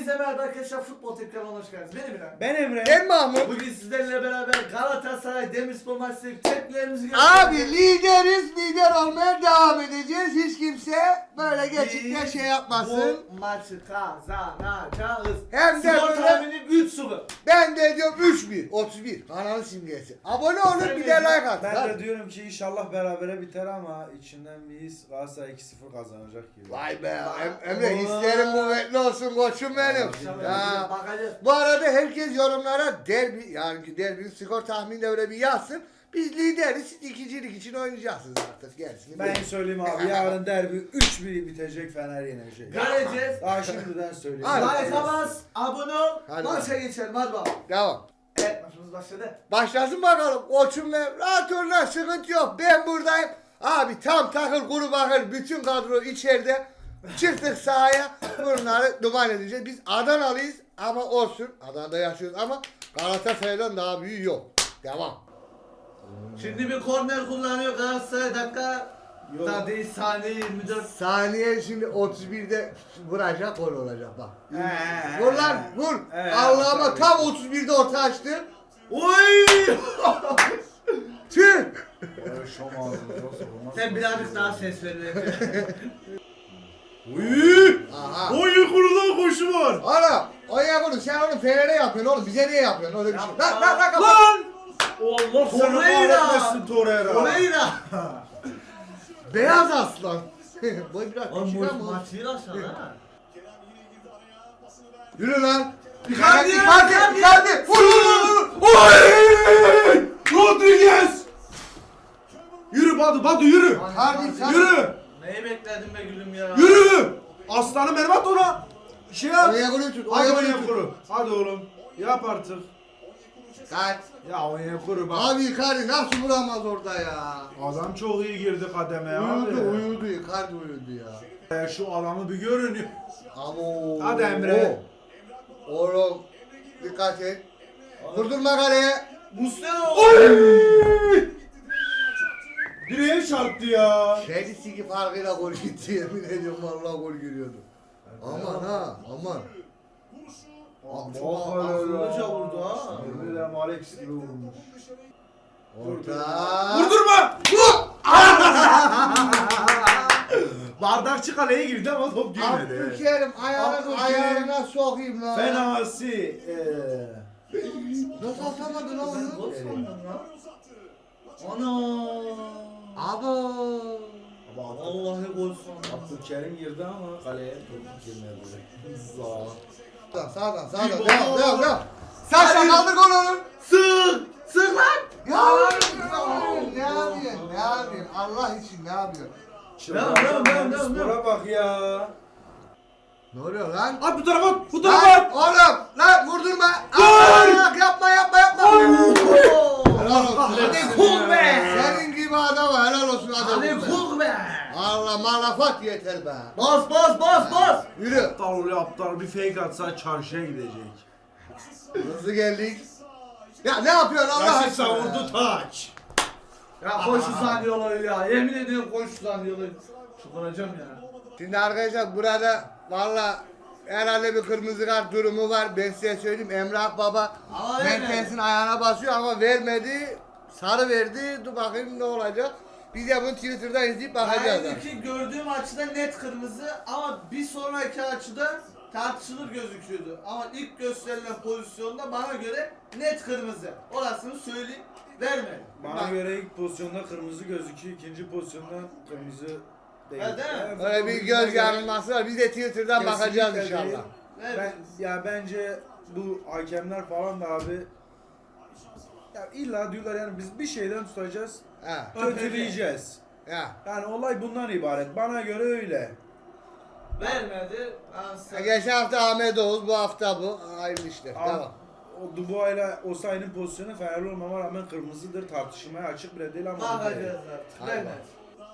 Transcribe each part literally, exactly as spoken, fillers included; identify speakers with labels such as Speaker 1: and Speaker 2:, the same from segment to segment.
Speaker 1: Hepinize merhaba arkadaşlar, Futbol Tepki kanalına hoş geldiniz. Benim İrem.
Speaker 2: Ben Emre.
Speaker 3: Ben Mahmut.
Speaker 1: Bugün sizlerle beraber Galatasaray Demirspor maçı tepkilerimizi
Speaker 3: Abi lideriz, lider olmaya devam edeceğiz. Hiç kimse böyle geçikte şey yapmasın.
Speaker 1: Bu maçı kazanacağız.
Speaker 3: Hem de
Speaker 1: Skor
Speaker 3: böyle-
Speaker 1: tahminim üç sıfır.
Speaker 3: Ben de diyorum üç bir, otuz bir. Kanalın simgesi. Abone olun,
Speaker 1: Sen
Speaker 3: bir
Speaker 1: ne
Speaker 3: de like
Speaker 1: diyorsun?
Speaker 3: atın.
Speaker 2: Ben
Speaker 3: Hadi.
Speaker 2: de diyorum ki inşallah berabere biter ama içinden bir his Galatasaray iki sıfır kazanacak gibi.
Speaker 3: Vay be Em- Emre, hislerim kuvvetli olsun koçum benim.
Speaker 1: İnşallah
Speaker 3: Ya.
Speaker 1: bakacağız.
Speaker 3: Bu arada herkes yorumlara derbi, yani derbinin skor tahminini öyle bir yazsın. Biz lideriz, siz ikincilik için oynayacaksınız artık. Gerisini
Speaker 2: Ben
Speaker 3: bilin.
Speaker 2: söyleyeyim abi, yarın derbi üç bir bitecek, Fener yenecek.
Speaker 1: Göreceğiz.
Speaker 2: Daha şimdiden söyleyeyim.
Speaker 3: Hadi.
Speaker 1: Like bas, abone ol,
Speaker 3: Hadi
Speaker 1: maça geçelim hadi bakalım.
Speaker 3: Devam.
Speaker 1: Evet, maçımız başladı.
Speaker 3: Başlasın bakalım. Koçum ve rahat ol lan, sıkıntı yok. Ben buradayım. Abi tam takır kuru bakır bütün kadro içeride. Çıktık sahaya. Bunları duman edeceğiz. Biz Adanalıyız ama olsun. Adana'da yaşıyoruz ama Galatasaray'dan daha büyüğü yok. Devam.
Speaker 1: Şimdi bir korner kullanıyor Galatasaray, dakika
Speaker 2: Yok.
Speaker 1: daha değil, saniye yirmi dört.
Speaker 3: Saniye şimdi otuz birde vuracak, gol olacak bak.
Speaker 2: He.
Speaker 3: Vur lan vur.
Speaker 2: He.
Speaker 3: Allah'ıma tam otuz birde orta açtı.
Speaker 1: Oy!
Speaker 3: Tüh.
Speaker 2: Böyle şom ağzını yoksa olmaz.
Speaker 1: Sen birazcık daha ses ver.
Speaker 2: Uy!
Speaker 3: Aha.
Speaker 2: Oy kurudan koşu var.
Speaker 3: Oğlum o ya bunu sen onu Fener'e yapıyorsun oğlum, bize niye yapıyorsun öyle bir şey? Lan lan lan kapat.
Speaker 2: Lan!
Speaker 1: Allah
Speaker 2: Seni kahretmesin Torreira.
Speaker 1: Torreira.
Speaker 3: Beyaz aslan. Boy biraz
Speaker 1: Oğlum
Speaker 3: küçük
Speaker 1: bu
Speaker 3: ama.
Speaker 1: maçı iyi aşağı ha.
Speaker 3: Yürü lan.
Speaker 1: Icardi,
Speaker 3: Icardi,
Speaker 1: Icardi.
Speaker 3: Icardi. Vur vur vur.
Speaker 2: Oy! Rodriguez! Yürü Badu, Badu yürü.
Speaker 3: Icardi, Icardi.
Speaker 2: Yürü!
Speaker 1: Neyi bekledin be gülüm ya?
Speaker 2: Yürü! Aslanım benim, at ona. Şey yap.
Speaker 3: Oraya golü tut.
Speaker 2: Hadi
Speaker 3: Oraya golü
Speaker 2: Onyekuru.
Speaker 3: tut.
Speaker 2: Hadi oğlum. Yap artık.
Speaker 3: Kaç.
Speaker 2: Ya Onyekuru bak.
Speaker 3: Abi Icardi nasıl vuramaz orada ya?
Speaker 2: Adam çok iyi girdi kademeye
Speaker 3: Uyudu
Speaker 2: abi.
Speaker 3: uyudu Icardi uyudu ya.
Speaker 2: Ya şu adamı bir görün.
Speaker 3: Amo.
Speaker 2: Hadi Emre.
Speaker 3: Oğlum dikkat et. Vurdurma kaleye.
Speaker 1: Muslera.
Speaker 2: Oy! Direğe çarptı ya.
Speaker 3: Kedisi ki farkıyla gol gitti, yemin ediyorum vallahi gol giriyordu. Aman ha aman. Abi çok
Speaker 1: akıllıca vurdu ha.
Speaker 2: Yemin ederim Alex gibi vurmuş.
Speaker 3: Orta.
Speaker 2: Vurdurma! Bardakçı kaleye girdi ama top girmedi.
Speaker 3: Abdülkerim ayağını
Speaker 2: Abdülkerim.
Speaker 3: ayağına sokayım lan.
Speaker 2: Fenası. Eee.
Speaker 3: Nasıl atamadın lan
Speaker 1: Ben gol
Speaker 3: onu?
Speaker 1: sandım lan. Ana.
Speaker 3: Abo.
Speaker 1: Vallahi gol sandım.
Speaker 2: Abdülkerim girdi ama kaleye top girmedi. Zaa.
Speaker 3: Sağdan sağdan sağdan
Speaker 1: Bir
Speaker 3: devam
Speaker 1: gol.
Speaker 3: devam devam. Saşa
Speaker 1: Hadi.
Speaker 3: kaldır golü.
Speaker 1: Sık! Sık lan!
Speaker 3: Ya ne yapıyorsun ne yapıyorsun Allah için ne yapıyorsun?
Speaker 1: Devam, devam, devam, devam,
Speaker 2: Spora bak ya.
Speaker 3: Ne oluyor lan?
Speaker 2: At bu tarafa at, bu
Speaker 3: Lan
Speaker 2: tarafa at.
Speaker 3: oğlum lan vurdurma.
Speaker 2: Gol!
Speaker 3: Aa, yapma yapma yapma.
Speaker 1: Oo!
Speaker 3: Helal olsun.
Speaker 1: Hadi kul be!
Speaker 3: Senin gibi adama helal olsun adam.
Speaker 1: Hadi kul be!
Speaker 3: Allah malafat yeter be.
Speaker 1: Bas bas bas bas!
Speaker 3: Yürü.
Speaker 2: Aptal oluyor aptal, bir fake atsa çarşıya gidecek.
Speaker 3: Hızlı geldik. Ya ne yapıyorsun Allah
Speaker 2: Raşit
Speaker 3: aşkına?
Speaker 2: savurdu taç.
Speaker 1: Ya koş şu zannediyorlar ya. Yemin ediyorum koş şu zannediyorlar. Çıkaracağım ya.
Speaker 3: Şimdi arkadaşlar burada valla herhalde bir kırmızı kart durumu var. Ben size söyleyeyim, Emrah Baba
Speaker 1: Ama vermedi.
Speaker 3: Mertens'in ayağına basıyor ama vermedi. Sarı verdi. Dur bakayım ne olacak. Biz de bunu Twitter'dan izleyip bakacağız.
Speaker 1: Ben ki gördüğüm açıda net kırmızı ama bir sonraki açıda tartışılır gözüküyordu. Ama ilk gösterilen pozisyonda bana göre net kırmızı. Orasını söyleyeyim. Vermedi.
Speaker 2: Bana
Speaker 1: Bak,
Speaker 2: göre ilk pozisyonda kırmızı gözüküyor, ikinci pozisyonda kırmızı değil.
Speaker 1: Ha, değil mi?
Speaker 2: Evet,
Speaker 3: Böyle bir
Speaker 2: futbolcular
Speaker 3: göz yanılması var. Biz de Twitter'dan
Speaker 2: Kesinlikle
Speaker 3: bakacağız
Speaker 2: değil.
Speaker 3: inşallah.
Speaker 1: vermedi.
Speaker 2: Ben ya bence bu hakemler falan da abi ya illa diyorlar yani biz bir şeyden tutacağız,
Speaker 3: Ha.
Speaker 2: kötüleyeceğiz.
Speaker 3: Ya.
Speaker 2: Yani olay bundan ibaret. Bana göre öyle.
Speaker 1: Vermedi. Ansa.
Speaker 3: Geçen hafta Ahmet Oğuz, bu hafta bu. Hayırlı işler.
Speaker 2: Ama
Speaker 3: Devam.
Speaker 2: o Dubois ile Osayi'nin pozisyonu Fenerli olmama rağmen kırmızıdır. Tartışmaya açık bile değil ama.
Speaker 1: Bakacağız artık.
Speaker 3: Hayır.
Speaker 1: Vermedi.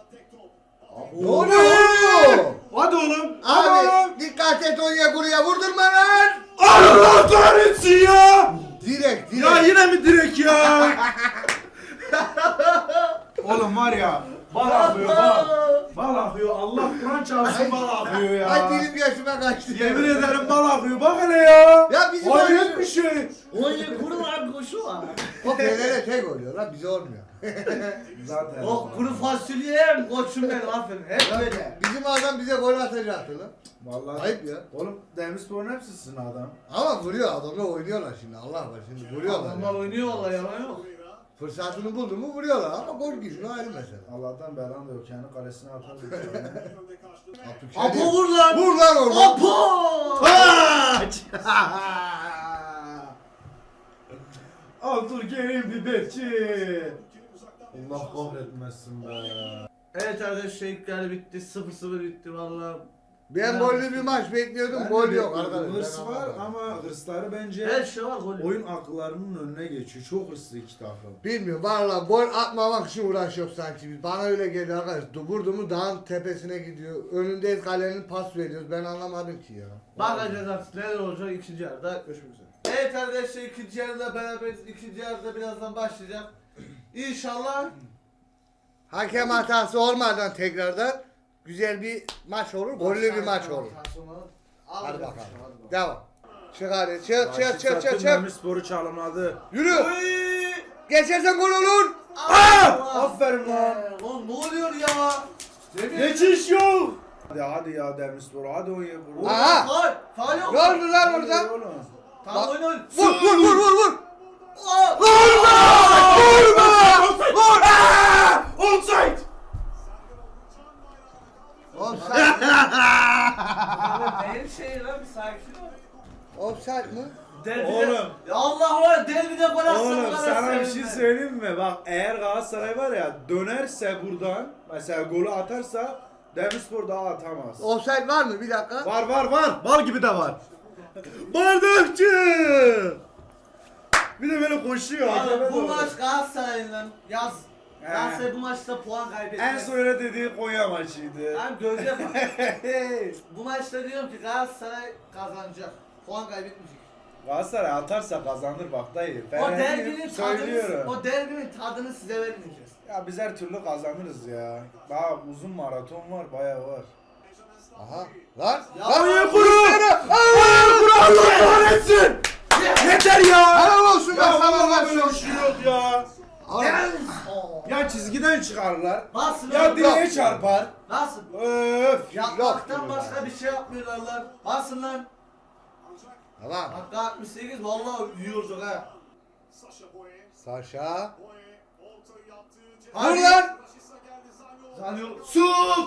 Speaker 3: Ne oluyor oğlum?
Speaker 2: Hadi oğlum. Hadi oğlum.
Speaker 3: Abi dikkat et oraya buraya vurdurma lan.
Speaker 2: Allah kahretsin ya.
Speaker 3: Direkt direkt.
Speaker 2: Ya yine mi direk ya? Oğlum var ya Bal akıyor bal. Bal akıyor. Allah Kur'an çarpsın bal akıyor ya.
Speaker 3: Ay dilim yaşıma kaçtı.
Speaker 2: Yemin ederim bal akıyor. Bak hele ya.
Speaker 3: Ya bizim
Speaker 2: Hayret bir şey.
Speaker 1: Oye kuru var koşu var.
Speaker 3: O Fener'e tek oluyor lan bize olmuyor.
Speaker 2: Zaten.
Speaker 1: O kuru fasulye koçum benim aferin. Hep böyle.
Speaker 3: Bizim adam bize gol atacaktı lan.
Speaker 2: Vallahi.
Speaker 3: Ayıp ya.
Speaker 2: Oğlum Demirspor'un hepsi sizin adam.
Speaker 3: Ama vuruyor adamlar oynuyorlar şimdi Allah var şimdi vuruyorlar.
Speaker 1: Adamlar oynuyor vallahi yalan yok.
Speaker 3: Fırsatını buldu mu vuruyorlar ama gol giriyor ayrı mesele.
Speaker 2: Allah'tan belan da yok. Kendi kalesine atamıyor.
Speaker 1: Apo vur lan.
Speaker 3: Vur lan orada.
Speaker 1: Apo.
Speaker 2: Kaç! Abdülkerim Biberci. Allah kahretmesin be.
Speaker 1: Evet arkadaşlar ilkler bitti. sıfır sıfır bitti vallahi.
Speaker 3: Ben gollü bir maç bekliyordum
Speaker 2: Ben
Speaker 3: gol
Speaker 2: de
Speaker 3: yok
Speaker 2: bekliyorum.
Speaker 3: arkadaşlar.
Speaker 2: Hırs var ama hırsları bence
Speaker 1: Her şey var gol.
Speaker 2: oyun akıllarının önüne geçiyor. Çok hırslı iki takım.
Speaker 3: Bilmiyorum valla gol atmamak için uğraşıyor sanki biz. Bana öyle geliyor arkadaş. Vurdu mu dağın tepesine gidiyor. Önündeyiz kalenin pas veriyoruz. Ben anlamadım ki ya.
Speaker 1: Bakacağız artık neler olacak ikinci yarıda. Görüşmek üzere. Evet arkadaşlar ikinci yarıda beraberiz. İkinci yarıda birazdan başlayacak. İnşallah
Speaker 3: Hakem hatası olmadan tekrardan güzel bir maç olur. Gollü bir maç olur. Hadi bakalım. Devam. Çık hadi çık çık çık çık çık.
Speaker 2: Demirspor'u çalımladı.
Speaker 3: Yürü.
Speaker 1: Oy!
Speaker 3: Geçersen gol olur.
Speaker 1: Allah!
Speaker 2: Aferin lan.
Speaker 1: Oğlum ne oluyor ya? Demir.
Speaker 2: Geçiş yok. Hadi hadi ya Demirspor. Hadi oyna. Vur.
Speaker 3: Aha.
Speaker 1: Faul. Faul yok.
Speaker 3: Ne oldu lan
Speaker 2: Hadi
Speaker 3: orada?
Speaker 2: oğlum.
Speaker 1: Tamam oyna oyna.
Speaker 3: Vur vur vur vur vur.
Speaker 1: Aa!
Speaker 3: Vurma! Vurma! Vur!
Speaker 2: Offside.
Speaker 3: Offside.
Speaker 1: Benim şey lan bir sakin ol.
Speaker 3: Offside mı?
Speaker 1: Derbide.
Speaker 2: Oğlum.
Speaker 1: Ya Allah var derbide gol atsın.
Speaker 2: Oğlum sana bir şey söyleyeyim mi? Bak eğer Galatasaray var ya dönerse buradan mesela golü atarsa Demirspor daha atamaz.
Speaker 3: Offside var mı? Bir dakika.
Speaker 2: Var var var. Bal gibi de var. Bardakçı. Bir de böyle koşuyor.
Speaker 1: Abi,
Speaker 2: hakeme
Speaker 1: bu
Speaker 2: doğru.
Speaker 1: maç Galatasaray'la yaz.
Speaker 2: He.
Speaker 1: Galatasaray bu maçta puan kaybetmez.
Speaker 2: En son öyle dediği Konya maçıydı.
Speaker 1: Ben gözle bak. Bu maçta diyorum ki Galatasaray kazanacak. Puan kaybetmeyecek.
Speaker 2: Galatasaray atarsa kazanır bak dayı.
Speaker 1: O
Speaker 2: Ben
Speaker 1: derbinin tadını,
Speaker 2: söylüyorum.
Speaker 1: o derbinin tadını size vermeyeceğiz.
Speaker 2: Ya biz her türlü kazanırız ya. Daha uzun maraton var, bayağı var.
Speaker 3: Aha. Lan.
Speaker 1: Ya
Speaker 3: Lan.
Speaker 1: Allah'ım.
Speaker 3: Kuru. Allah'ım kuru. Allah kahretsin.
Speaker 2: Yeter ya!
Speaker 3: Helal olsun be
Speaker 2: Ya
Speaker 3: sana
Speaker 2: vallahi
Speaker 3: lan
Speaker 2: böyle bir
Speaker 3: şu.
Speaker 2: şey yok ya.
Speaker 1: Gel.
Speaker 2: Ya çizgiden çıkarlar.
Speaker 1: Nasıl?
Speaker 2: Ya direğe çarpar.
Speaker 1: Nasıl?
Speaker 2: Öf.
Speaker 1: Yapmaktan
Speaker 3: Yok.
Speaker 1: başka bir şey yapmıyorlar lan. Basın lan.
Speaker 3: Tamam.
Speaker 1: Dakika altmış sekiz vallahi yiyorduk ha.
Speaker 3: Saşa.
Speaker 1: Hadi.
Speaker 3: Vur lan.
Speaker 1: Zanıyor.
Speaker 3: Su.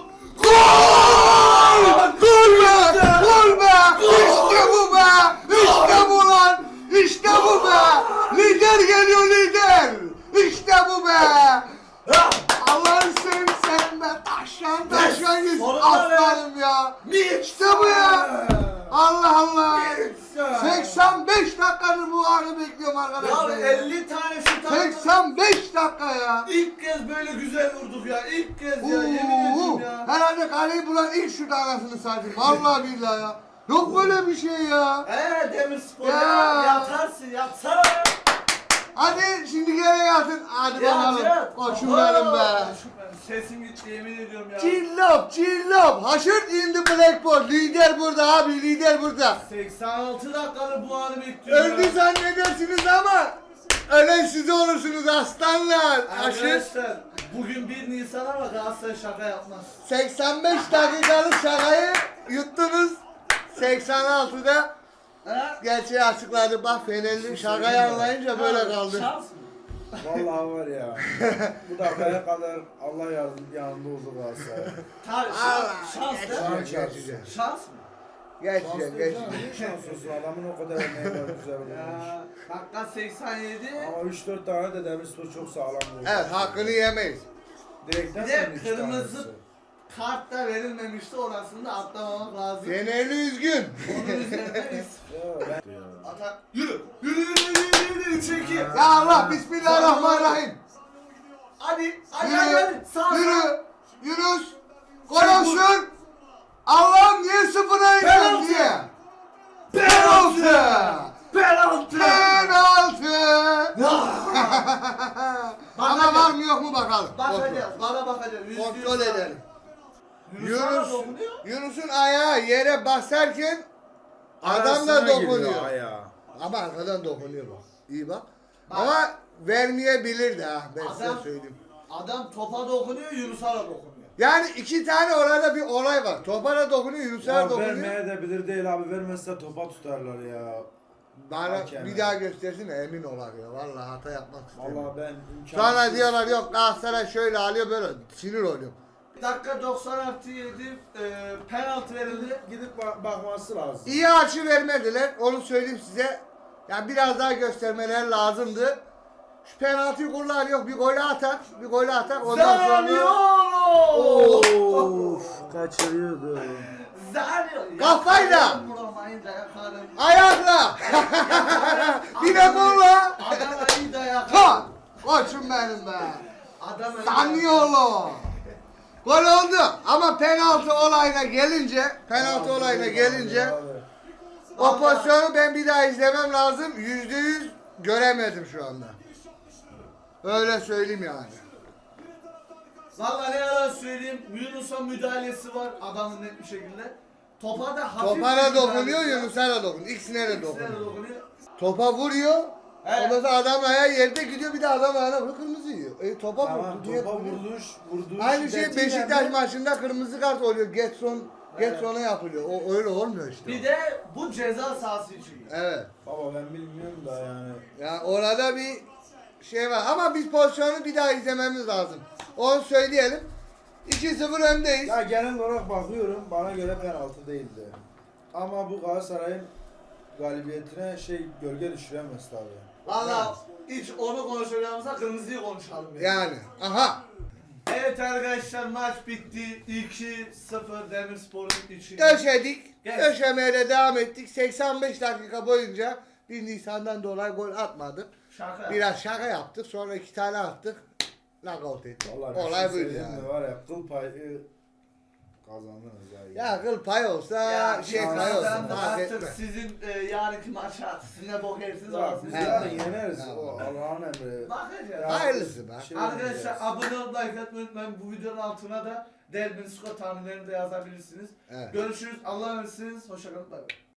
Speaker 3: Gol! Gol be! Gol be! İşte bu be! İşte bu lan! İşte bu be! Lider geliyor lider! İşte bu be! Allah'ın seveyim sen be! Taşlan taşlan git!
Speaker 1: Sonunda be!
Speaker 3: Aslanım ya! İşte bu ya! Allah Allah! seksen beş dakikadır bu anı bekliyorum
Speaker 1: Ya
Speaker 3: arkadaşlar.
Speaker 1: elli tane şut attı.
Speaker 3: seksen beş dakika ya!
Speaker 1: İlk kez böyle güzel vurduk ya. İlk kez ya.
Speaker 3: Oo,
Speaker 1: Yemin ediyorum ya.
Speaker 3: herhalde kaleyi bulan ilk şut anasını satayım. Vallahi billahi ya. Yok böyle bir şey ya.
Speaker 1: Eee Demirspor
Speaker 3: Ya.
Speaker 1: ya. Yatarsın yatsana.
Speaker 3: Hadi şimdi geri yatın. Hadi
Speaker 1: Yat,
Speaker 3: bakalım.
Speaker 1: yat.
Speaker 3: Koçum
Speaker 1: Oo,
Speaker 3: benim be.
Speaker 1: koçum benim. Sesim gitti yemin ediyorum ya.
Speaker 3: Cillop, cillop. Haşırt indi Blackboard. Lider burada abi, lider burada.
Speaker 1: seksen altı dakikadır bu anı bekliyorum
Speaker 3: Öldü
Speaker 1: ya.
Speaker 3: zannedersiniz ama ölen siz olursunuz aslanlar. Haşırt.
Speaker 1: Arkadaşlar bugün bir Nisan ama Galatasaray şaka yapmaz.
Speaker 3: seksen beş dakikalık şakayı yuttunuz. seksen altıda
Speaker 1: Ha?
Speaker 3: gerçeği açıkladı. Bak Fenerli şakayı anlayınca böyle kaldı.
Speaker 1: Şans mı?
Speaker 2: Vallahi var ya. Bu dakikaya kadar Allah yardım yanında oldu Galatasaray.
Speaker 1: Tabii
Speaker 3: Allah,
Speaker 1: şans, şans
Speaker 2: Şans.
Speaker 1: da.
Speaker 3: Geçeceğim.
Speaker 1: Şans mı?
Speaker 3: Geçeceğim, geçeceğim.
Speaker 2: Ne şans olsun adamın o kadar emeği var güzel olmuş.
Speaker 1: Ya, dakika seksen yedi.
Speaker 2: Ama üç dört tane de Demirspor çok sağlam vurdu.
Speaker 3: Evet, hakkını yemeyiz.
Speaker 2: Direkten
Speaker 1: Bir de
Speaker 2: sonra üç
Speaker 1: kırmızı
Speaker 2: tanesi.
Speaker 1: kart da verilmemişti orasını da atlamamak lazım.
Speaker 3: Fenerli üzgün.
Speaker 1: Onun üzerine biz
Speaker 2: Ya ben...
Speaker 1: atak. Yürü! Yürü yürü yürü yürü yürü! üç iki.
Speaker 3: Ya Allah, bismillahirrahmanirrahim.
Speaker 1: Hadi! Hadi hadi hadi!
Speaker 3: Yürü,
Speaker 1: Sağ sağ!
Speaker 3: yürü, Yunus. Gol olsun. Allah'ım niye sıfıra indin
Speaker 1: Penaltı.
Speaker 3: diye. Penaltı.
Speaker 1: Penaltı!
Speaker 3: Penaltı. Ama var mı yok mu bakalım.
Speaker 1: Bakacağız. Bana bakacağız. Yüzde yüz
Speaker 3: Kontrol
Speaker 1: var.
Speaker 3: edelim.
Speaker 1: Yunus sana
Speaker 3: Yunus,
Speaker 1: dokunuyor.
Speaker 3: Yunus'un ayağı yere basarken adam da
Speaker 2: Arasına giriyor
Speaker 3: dokunuyor.
Speaker 2: ayağa.
Speaker 3: Ama arkadan dokunuyor bak. İyi bak. Ama vermeyebilir de ha ben size
Speaker 1: Adam-
Speaker 3: söyleyeyim.
Speaker 1: Adam topa dokunuyor, Yunus'a da dokunuyor.
Speaker 3: Yani iki tane orada bir olay var. Topa da dokunuyor, Yunus'a da
Speaker 2: Ya
Speaker 3: dokunuyor.
Speaker 2: vermeye de bilir değil abi. Vermezse topa tutarlar ya.
Speaker 3: Bana
Speaker 2: Hakem
Speaker 3: bir
Speaker 2: ya.
Speaker 3: daha göstersin de emin olar ya. Vallahi hata yapmak istemiyorum.
Speaker 2: Vallahi ben imkansız.
Speaker 3: Sonra diyorlar yok Galatasaray şöyle alıyor böyle sinir oluyor.
Speaker 1: Dakika doksan artı yedi e, penaltı verildi.
Speaker 2: Gidip bak- bakması lazım.
Speaker 3: İyi açı vermediler onu söyleyeyim size. Ya biraz daha göstermeler lazımdı. Şu penaltıyı kullanıyor bir golü atar, bir golü atar ondan sonra...
Speaker 1: Zaniolo!
Speaker 2: Of kaçırıyordu.
Speaker 1: Zaniolo!
Speaker 3: Kafayla!
Speaker 1: Yakarım vuramayınca yakarım.
Speaker 3: Ayakla! Bir de kolla!
Speaker 1: Adama iyi dayak.
Speaker 3: Ha! Koçum benim be!
Speaker 1: Adama iyi
Speaker 3: Zaniolo! Gol oldu ama penaltı olayına gelince, penaltı olayına gelince o pozisyonu ben bir daha izlemem lazım. Yüzde yüz göremedim şu anda. Öyle söyleyeyim yani.
Speaker 1: Vallahi ne yalan söyleyeyim, Yunus'a müdahalesi var adamın net bir şekilde. Topa da hafif
Speaker 3: Topa
Speaker 1: bir
Speaker 3: da
Speaker 1: müdahalesi
Speaker 3: dokunuyor,
Speaker 1: var.
Speaker 3: Yunus'a da dokunuyor. İkisine de
Speaker 1: İkisine de
Speaker 3: dokunuyor.
Speaker 1: dokunuyor.
Speaker 3: Topa vuruyor.
Speaker 1: Evet.
Speaker 3: Ondan sonra adam ayağı yerde gidiyor bir de adam ayağına vuruyor kırmızı yiyor. E topa
Speaker 2: Tamam
Speaker 3: vurdu diye.
Speaker 2: topa vurduş vurduş.
Speaker 3: Aynı şey
Speaker 2: şiddetiyle
Speaker 3: Beşiktaş
Speaker 2: mi?
Speaker 3: maçında kırmızı kart oluyor. Getson Getson'a yapılıyor. O öyle olmuyor işte.
Speaker 1: Bir de bu ceza sahası için.
Speaker 3: Evet.
Speaker 2: Baba ben bilmiyorum da yani.
Speaker 3: Ya orada bir şey var ama biz pozisyonu bir daha izlememiz lazım. Onu söyleyelim. iki sıfır öndeyiz.
Speaker 2: Ya genel olarak bakıyorum bana göre penaltı değildi. Ama bu Galatasaray'ın galibiyetine şey gölge düşüremez tabii.
Speaker 1: Valla hiç onu konuşacağımıza kırmızıyı konuşalım. Yani.
Speaker 3: Yani. Aha.
Speaker 1: Evet arkadaşlar maç bitti. iki sıfır Demirspor'un için.
Speaker 3: Döşedik.
Speaker 1: Gel.
Speaker 3: Döşemeye de devam ettik. seksen beş dakika boyunca bir Nisan'dan dolayı gol atmadık.
Speaker 1: Şaka.
Speaker 3: Biraz şaka yaptık. Sonra iki tane attık. Knockout ettik.
Speaker 2: Vallahi bir
Speaker 3: Olay
Speaker 2: şey
Speaker 3: buydu
Speaker 2: söyleyeyim
Speaker 3: yani.
Speaker 2: mi? Var ya kıl payı kazandınız ya.
Speaker 3: Ya kıl pay olsa
Speaker 1: Ya
Speaker 3: şey
Speaker 1: şey
Speaker 3: pay olsun.
Speaker 1: da
Speaker 3: Fark
Speaker 1: artık
Speaker 3: etmez.
Speaker 1: sizin e, yarınki maça siz ne bok yersiniz
Speaker 2: Ya
Speaker 1: orasını.
Speaker 2: biz
Speaker 3: He.
Speaker 2: yarın yeneriz.
Speaker 3: He.
Speaker 2: O Allah'ın emri.
Speaker 1: Bakacağız.
Speaker 2: Ya,
Speaker 3: Hayırlısı be.
Speaker 2: şey
Speaker 1: Arkadaşlar
Speaker 2: yapacağız.
Speaker 1: abone olup like atmayı unutmayın. Bu videonun altına da Derbin skor tahminlerini de yazabilirsiniz.
Speaker 3: Evet.
Speaker 1: Görüşürüz. Allah'a emanetsiniz. Hoşçakalın. Bay bay.